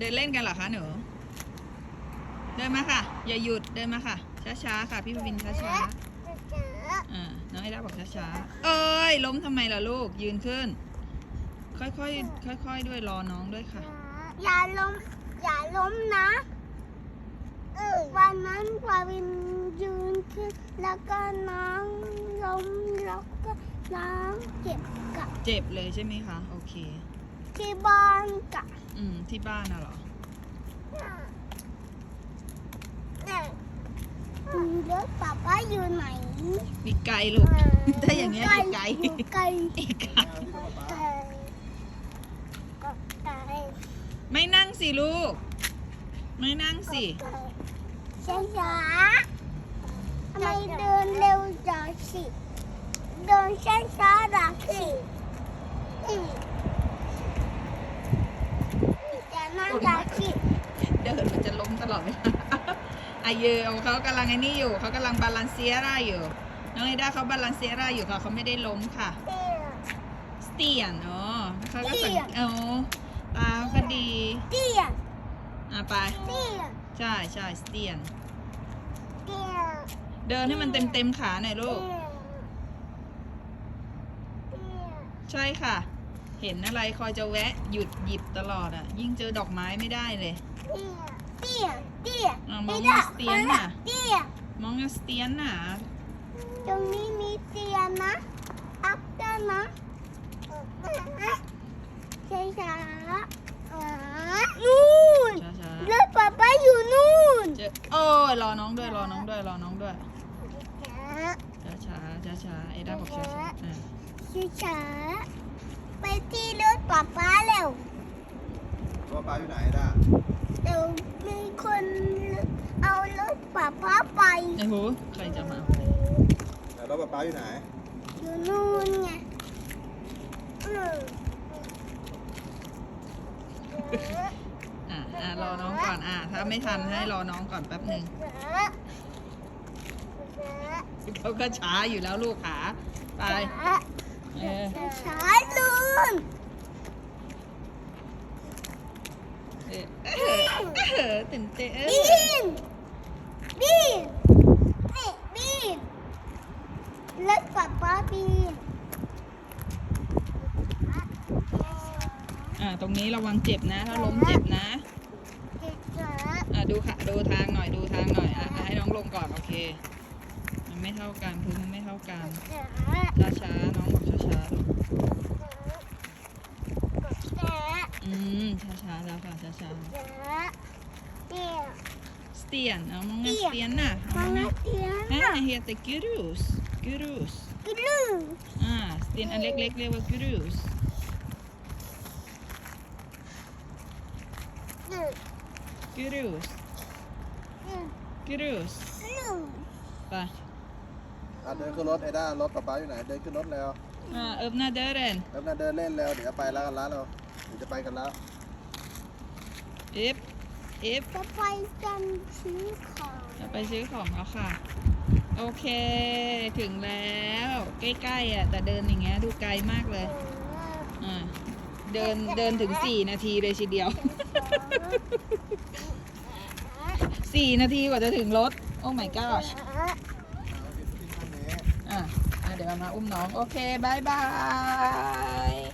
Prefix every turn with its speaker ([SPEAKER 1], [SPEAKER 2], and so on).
[SPEAKER 1] ดินเล่นกันเหรอคะหนูเดินมาค่ะอย่าหยุดเดินมาค่ะช้าๆค่ะพี่วินช้าๆน้องไอด้าบอกช้าๆเอ้ยล้มทำไมล่ะลูกยืนขึ้นค่อยๆด้วยรอน้องด้วยค่ะ
[SPEAKER 2] อย่าล้มนะวันนั้นวาวินยืนขึ้นแล้วก็น้องล้มแล้วก็น้องเจ็บ
[SPEAKER 1] เลยใช่ไหมคะโอเค
[SPEAKER 2] ที่บ้านกับ
[SPEAKER 1] ที่บ้านน่ะเหรอ
[SPEAKER 2] รถป๊าป๊าอยู่ไหน
[SPEAKER 1] อีกไกลลูกถ้าอย่างเงี้ยอีกไกลไม่นั่งสิลูกไม่นั่งสิ
[SPEAKER 2] ช้าๆทำไมเดินเร็วจังสิเดินช้าๆดักสิจะนั่งดักสิ
[SPEAKER 1] เดินมันจะล้มตลอดเวลาอายุเขากำลังไอ้นี่อยู่เขากำลังบาลานเซียร่าอยู่น้องไอด้าเขาบาลานเซียร่าอยู่ค่ะเขาไม่ได้ล้มค่ะสเตียนเขาก็สังตาเขาดี
[SPEAKER 2] เตียน
[SPEAKER 1] ไปใช่สเตียนเดินให้มันเต็มขาหน่อยลูกใช่ค่ะเห็นอะไรคอยจะแวะหยุดหยิบตลอดยิ่งเจอดอกไม้ไม่ได้เลยมองสเตียนน่ะมองสเตียนน่ะ
[SPEAKER 2] ตรงนี้มีเตียนนะอัพเดอร์นะช้านู่นรถป๊าป๊าอยู่นู่น
[SPEAKER 1] รอน้องด้วยช้าไอ้ด้าบอกช้า
[SPEAKER 2] ไปที่รถป๊าป๊าเร็ว
[SPEAKER 3] รถป๊าอยู่ไหนด้า
[SPEAKER 2] เดี๋ยวมีคนเอารถป๊าป๊าไป
[SPEAKER 1] ไอ้หูใครจะมา
[SPEAKER 3] แต่รถป๊าอยู่ไหน
[SPEAKER 2] อยู่นู่นไง
[SPEAKER 1] รอน้องก่อนถ้าไม่ทันให้รอน้องก่อนแป๊บหนึ่งเขาก็ช้าอยู่แล้วลูกขาไป
[SPEAKER 2] ช้าลุน
[SPEAKER 1] ตื่นเต้น
[SPEAKER 2] บีนรถป๊าป๊าบีน
[SPEAKER 1] ตรงนี้ระวังเจ็บนะถ้าล้มเจ็บนะดูค่ะดูทางหน่อยให้น้องลงก่อนโอเคมันไม่เท่ากันพื้นมันไม่เท่ากันช้าน้องบอกช้าช้าแล้วค่ะช้าสเตียนมองสเตียนน่ะเฮียแต่กูรูสสเตียนอันเล็กๆเรียกว่ากูรูสไป
[SPEAKER 3] เดินขึ้นรถไอ้ด้ารถป๊าอยู่ไหนเดินขึ้นรถแล้ว
[SPEAKER 1] öppna dörren
[SPEAKER 3] เดินเล่นแล้วเดี๋ยวไปแล้วกันแล้วเดี๋ยวจะไปกันแล้ว
[SPEAKER 2] จะไปกันซื้อของ
[SPEAKER 1] แล้วค่ะโอเคถึงแล้วใกล้ๆแต่เดินอย่างเงี้ยดูไกลมากเลยเดินถึง4 นาทีเลยทีเดียว4 นาทีกว่าจะถึงรถโอ้ my gosh เดี๋ยวมาอุ้มน้องโอเคบายบาย